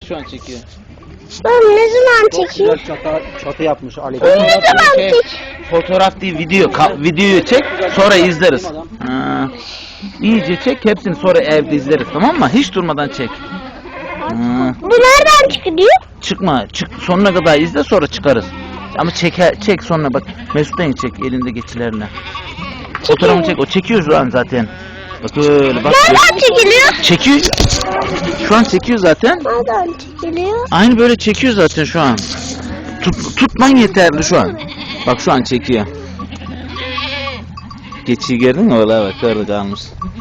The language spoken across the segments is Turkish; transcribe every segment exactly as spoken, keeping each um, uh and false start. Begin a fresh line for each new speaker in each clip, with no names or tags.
Şu an çekiyor.
Ben ne zaman
Çok
çekeyim?
güzel çatı, çatı yapmış Ali.
Ne zaman
Şey,
çek?
fotoğraf değil, video. Ka- videoyu çek, sonra izleriz. Ha. İyice çek, hepsini sonra evde izleriz, tamam mı? Hiç durmadan çek. Ha.
Bu nereden çıkıyor?
Çıkma, çık, sonuna kadar izle, sonra çıkarız. Ama çek, çek sonra bak. Mesut'tan çek, elinde geçilerle. Fotoğrafını çek, o çekiyor şu an zaten. Bak öyle bak.
Nereden çekiliyor?
Çekiyor. Şu an çekiyor zaten.
Nereden çekiliyor?
Aynı böyle çekiyor zaten şu an. Tut, tutman yeterli şu an. Bak şu an çekiyor. Geçiyi gördün mü? Ola bak orada kalmış.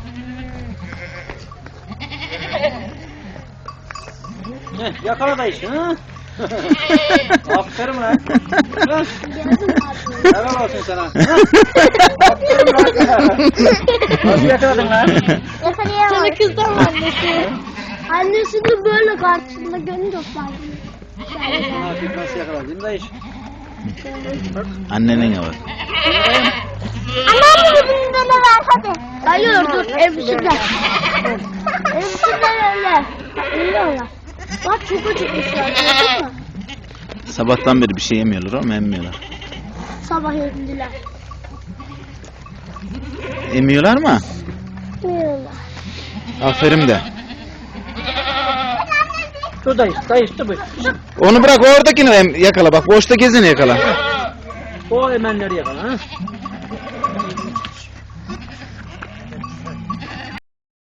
Heh, yakala da işte. Hı? Aferin lan. Helal olsun sana. Aferin lan. Nasıl yakaladın lan?
Yakalayamadım. Sana kızdan annesi. Annesini böyle karşısında görünce ısmarladım.
Nasıl, nasıl yakaladın da iş?
Annenin var.
Anam bunu bana ver hadi. Hayır dur elbiseler. Elbiseler öyle. Öyle öyle. Bak çok acıkmışlar gördün mü?
Sabahtan beri bir şey yemiyorlar ama emmiyorlar.
Sabah yediler.
Emiyorlar mı?
Yiyorlar.
Aferin de.
Dur dayı, dayı işte bu.
Onu bırak, oradakini em- yakala bak. Boşta gezini yakala.
O emenleri yakala. Ha?